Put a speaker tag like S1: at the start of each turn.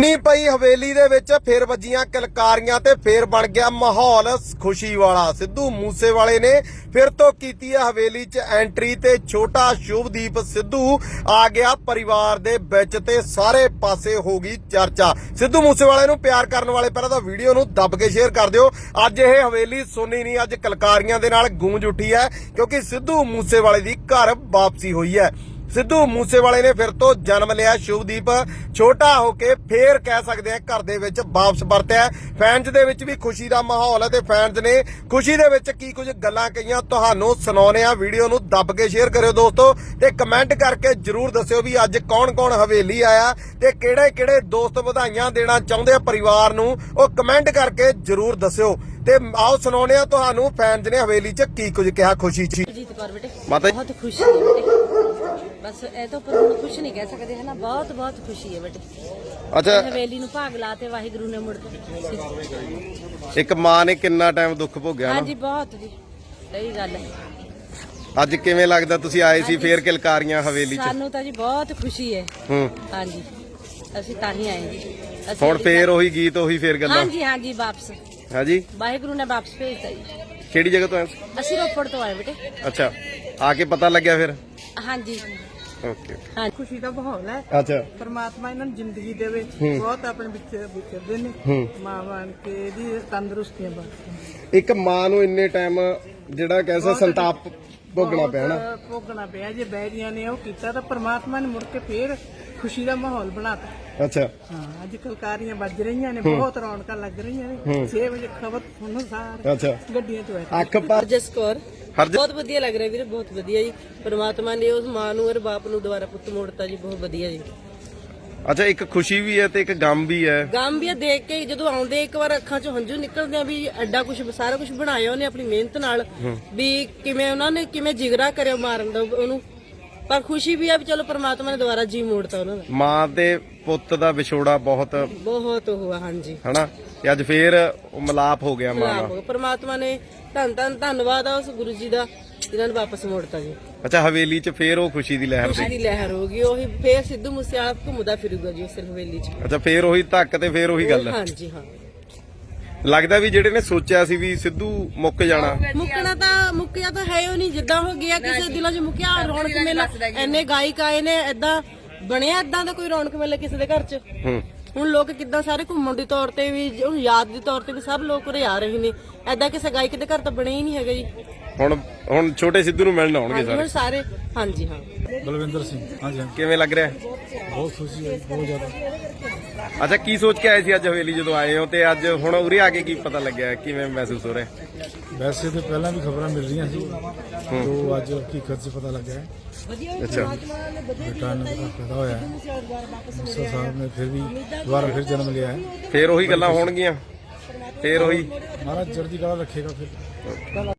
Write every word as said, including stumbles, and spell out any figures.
S1: सुन्नी पई हवेली दे विच फिर वजियां किलकारियां ते फिर बन गया माहौल खुशी वाला। सिद्धू मूसेवाले ने फिर तो कीती है हवेली च एंट्री ते छोटा शुभदीप सिद्धू आ गया परिवार दे विच ते सारे पासे हो गई चर्चा। सिद्धू मूसेवाले नूं प्यार करन वाले पहलां तां वीडियो नूं दब के शेयर कर दिओ। अज ये हवेली सुन्नी नहीं, अज किलकारियां दे नाल गूंज उठी है क्योंकि सिद्धू मूसेवाले दी घर वापसी हुई है। सिद्धू मूसेवाले ने फिर तो जन्म लिया। शुभदीप छोटा होके फिर कह सकते हैं घर दे विच वापस परतिया। फैंस दे विच भी खुशी दा माहौल है ते फैंस ने खुशी दे विच की कुछ गल्लां कहियां तुहानूं सुणाउने आ। वीडियो नूं दब के शेयर करियो दोस्तों ते कमेंट करके जरूर दस्सिओ भी अज कौन कौन हवेली आया ते किहड़े किहड़े दोस्त वधाइयां देना चाहुंदे आ परिवार नूं, ओह कमेंट करके जरूर दस्सिओ। ते आओ सुणाउने आ तुहानूं फैंस ने हवेली च की कुछ कहा खुशी च।
S2: माता बहुत खुशी है बेटे, बस ए तो पर खुश नहीं कह सकते है ना, बहुत बहुत खुशी है बेटे।
S1: अच्छा
S2: हवेली नु भाग लाते वाहिगुरु ने मुड़ के
S1: एक मां ने कितना टाइम दुख भोगिया
S2: हां
S1: ना।
S2: जी बहुत जी सही गल है।
S1: ਅੱਜ ਕਿਵੇਂ ਲੱਗਦਾ ਤੁਸੀਂ ਆਏ ਸੀ ਫੇਰ ਕਿਲਕਾਰੀਆਂ ਹਵੇਲੀ ਚ?
S2: ਸਾਨੂੰ ਤਾਂ ਜੀ ਬਹੁਤ ਖੁਸ਼ੀ ਹੈ।
S1: ਹੂੰ
S2: ਹਾਂ ਜੀ ਅਸੀਂ ਤਾਂ ਹੀ ਆਏ ਜੀ।
S1: ਹੁਣ ਫੇਰ ਉਹੀ ਗੀਤ ਉਹੀ ਫੇਰ ਗੱਲਾਂ?
S2: ਹਾਂ ਜੀ ਹਾਂ ਜੀ ਵਾਪਸ
S1: ਹਾਂ ਜੀ
S2: ਵਾਹਿਗੁਰੂ ਨੇ ਵਾਪਸ ਭੇਜਤਾ ਜੀ।
S1: ਕਿਹੜੀ ਜਗ੍ਹਾ ਤੋਂ ਆਏ?
S2: ਅਸੀਂ ਰੋਪੜ ਤੋਂ ਆਏ ਬੇਟੇ।
S1: ਅੱਛਾ ਆ ਕੇ ਪਤਾ ਲੱਗਿਆ ਫਿਰ?
S2: ਹਾਂ ਜੀ
S1: ਓਕੇ
S2: ਹਾਂ।
S3: खुशी का माहौल है।
S1: ਅੱਛਾ
S3: परमात्मा इन्होंने जिंदगी दे विच बहुत अपने विच विचरदे ने मां बन के दी तंदुरुस्तियां बख्शे।
S1: ਇੱਕ ਮਾਂ ਨੂੰ ਇੰਨੇ ਟਾਈਮ ਜਿਹੜਾ ਕਹਿੰਦਾ ਸੰਤਾਪ ਭੋਗਣਾ ਪਿਆ ਨਾ।
S3: भोगना पिया जे बैरियां ने ਉਹ ਕੀਤਾ ਤਾਂ परमात्मा ने मुड़ के फिर खुशी ਦਾ माहौल बनाता।
S1: ਅੱਛਾ
S3: ਹਾਂ ਅੱਜ ਕਲਕਾਰੀਆਂ ਵੱਜ ਰਹੀਆਂ ਨੇ, ਬਹੁਤ ਰੌਣਕਾਂ ਲੱਗ ਰਹੀਆਂ ਨੇ। ਛੇ ਵਜੇ ਖਬਰ ਸੁਣੋ ਸਾਰ
S1: ਅੱਛਾ
S3: ਗੱਡੀਆਂ ਚ ਬੈਠੇ।
S1: ਅੱਖ ਪਰ
S2: ਹਰਜਸ ਕੌਰ ਬਹੁਤ ਵਧੀਆ ਲੱਗ ਰਿਹਾ ਵੀਰੇ, ਬਹੁਤ ਵਧੀਆ ਜੀ। ਪਰਮਾਤਮਾ ਨੇ ਉਸ ਮਾਂ ਨੂੰ ਔਰ ਬਾਪ ਨੂੰ ਦੁਬਾਰਾ ਪੁੱਤ ਮੋੜਤਾ ਜੀ, ਬਹੁਤ ਵਧੀਆ ਜੀ।
S1: ਅੱਛਾ ਇੱਕ ਖੁਸ਼ੀ ਵੀ ਹੈ ਤੇ ਇੱਕ ਗਮ ਵੀ ਹੈ।
S2: ਗਮ ਵੀ ਆ ਦੇਖ ਕੇ ਜਦੋਂ ਆਉਂਦੇ ਇੱਕ ਵਾਰ ਅੱਖਾਂ ਚੋਂ ਹੰਝੂ ਨਿਕਲਦੇ ਆ ਵੀ ਐਡਾ ਕੁਝ ਸਾਰਾ ਕੁਝ ਬਣਾਇਆ ਉਹਨੇ ਆਪਣੀ ਮਿਹਨਤ ਨਾਲ, ਵੀ ਕਿਵੇਂ ਉਹਨਾਂ ਨੇ ਕਿਵੇਂ ਜਿਗਰਾ ਕਰਿਆ ਮਾਰਨ ਦਾ ਉਹਨੂੰ। ਪਰ ਖੁਸ਼ੀ ਵੀ ਆ ਵੀ ਚਲੋ ਪਰਮਾਤਮਾ ਨੇ ਦੁਬਾਰਾ ਜੀ ਮੋੜਤਾ ਉਹਨਾਂ ਦਾ।
S1: ਮਾਂ ਤੇ ਪੁੱਤ ਦਾ ਵਿਛੋੜਾ ਬਹੁਤ
S2: ਬਹੁਤ ਹੋਇਆ ਹਾਂਜੀ
S1: ਹਨਾ, ਤੇ ਅੱਜ ਫੇਰ ਉਹ ਮਿਲਾਪ ਹੋ ਗਿਆ ਮਾਂ ਨਾਲ।
S2: ਪਰਮਾਤਮਾ ਨੇ ਧੰਨ ਧੰਨ ਧੰਨਵਾਦ ਆ ਉਸ ਗੁਰੂ ਜੀ ਦਾ ਜਿਨ੍ਹਾਂ ਨੇ ਵਾਪਸ ਮੋੜਤਾ ਜੀ।
S1: ਅੱਛਾ ਹਵੇਲੀ ਚ ਫੇਰ ਉਹ ਖੁਸ਼ੀ ਦੀ ਲਹਿਰ
S2: ਖੁਸ਼ੀ
S1: ਸੀ?
S2: ਦੀ ਲਹਿਰ ਹੋ ਗਈ, ਉਹੀ ਫੇਰ ਸਿੱਧੂ ਮੂਸੇਵਾਲਾ ਘੁੰਮਦਾ ਫਿਰੂਗਾ ਜੀ ਉਸ ਹਵੇਲੀ ਚ।
S1: ਅੱਛਾ ਫੇਰ ਉਹੀ ਧੱਕ ਤੇ ਫੇਰ ਉਹੀ ਗੱਲ।
S2: ਹਾਂਜੀ ਹਾਂ
S1: ਲੱਗਦਾ ਵੀ ਜਿਹੜੇ ਨੇ ਸੋਚਿਆ ਸੀ ਵੀ ਸਿੱਧੂ ਮੁੱਕ ਜਾਣਾ,
S2: ਮੁੱਕਣਾ ਤਾਂ ਮੁੱਕਿਆ ਤਾਂ ਹੈ ਉਹ ਨਹੀਂ, ਜਿੱਦਾਂ ਹੋ ਗਿਆ ਕਿਸੇ ਦਿਲਾਂ 'ਚ ਮੁੱਕਿਆ। ਰੌਣਕ ਮੇਲਾ ਇੰਨੇ ਗਾਇਕ ਆਏ ਨੇ, ਏਦਾਂ ਬਣਿਆ ਏਦਾਂ ਦਾ ਕੋਈ ਰੌਣਕ ਮੇਲਾ ਕਿਸੇ ਦੇ ਘਰ 'ਚ।
S1: ਹੂੰ
S2: ਹੁਣ ਲੋਕ ਕਿੱਦਾਂ ਸਾਰੇ ਘੁੰਮਣ ਦੇ ਤੌਰ ਤੇ ਵੀ ਹੁਣ ਯਾਦ ਦੇ ਤੌਰ ਤੇ ਵੀ ਸਭ ਲੋਕ ਉਰੇ ਆ ਰਹੇ ਨੇ, ਏਦਾਂ ਕਿਸੇ ਗਾਇਕ ਦੇ ਘਰ ਤਾਂ ਬਣਿਆ ਹੀ ਨਹੀਂ ਹੈਗਾ ਜੀ।
S1: ਹੁਣ ਹੁਣ ਛੋਟੇ ਸਿੱਧੂ ਨੂੰ ਮਿਲਣ ਆਉਣਗੇ
S2: ਹਾਂਜੀ,
S1: ਸਾਰੇ
S2: ਹੁਣ ਸਾਰੇ ਹਾਂਜੀ ਹਾਂ।
S4: ਬਲਵਿੰਦਰ ਸਿੰਘ ਹਾਂਜੀ ਹਾਂ,
S1: ਕਿਵੇਂ ਲੱਗ ਰਿਹਾ?
S4: ਬਹੁਤ ਖੁਸ਼ੀ ਹੈ ਬਹੁਤ ਜ਼ਿਆਦਾ।
S1: ਅੱਛਾ ਕੀ ਸੋਚ ਕੇ ਆਏ ਸੀ ਅੱਜ ਹਵੇਲੀ ਜਦੋਂ ਆਏ ਹੋ ਤੇ ਅੱਜ ਹੁਣ ਉਰੇ ਆ ਕੇ ਕੀ ਪਤਾ ਲੱਗਿਆ, ਕਿਵੇਂ ਮਹਿਸੂਸ ਹੋ ਰਿਹਾ?
S4: ਵੈਸੇ ਤਾਂ ਪਹਿਲਾਂ ਵੀ ਖਬਰਾਂ ਮਿਲ ਰਹੀਆਂ ਸੀ, ਤੋਂ ਅੱਜ ਹਕੀਕਤ 'ਚ ਪਤਾ ਲੱਗਿਆ ਹੈ।
S1: ਅੱਛਾ
S4: ਬੇਟਾ ਨੇ ਪੈਦਾ ਹੋਇਆ ਹੈ, ਮੂਸਾ ਸਾਹਿਬ ਨੇ ਫਿਰ ਵੀ ਦੁਬਾਰਾ ਫਿਰ ਜਨਮ ਲਿਆ ਹੈ।
S1: ਫੇਰ ਉਹੀ ਗੱਲਾਂ ਹੋਣਗੀਆਂ, ਫੇਰ ਉਹੀ
S4: ਮਹਾਰਾਜ ਚੜ੍ਹਦੀ ਕਲਾ ਰੱਖੇਗਾ ਫਿਰ।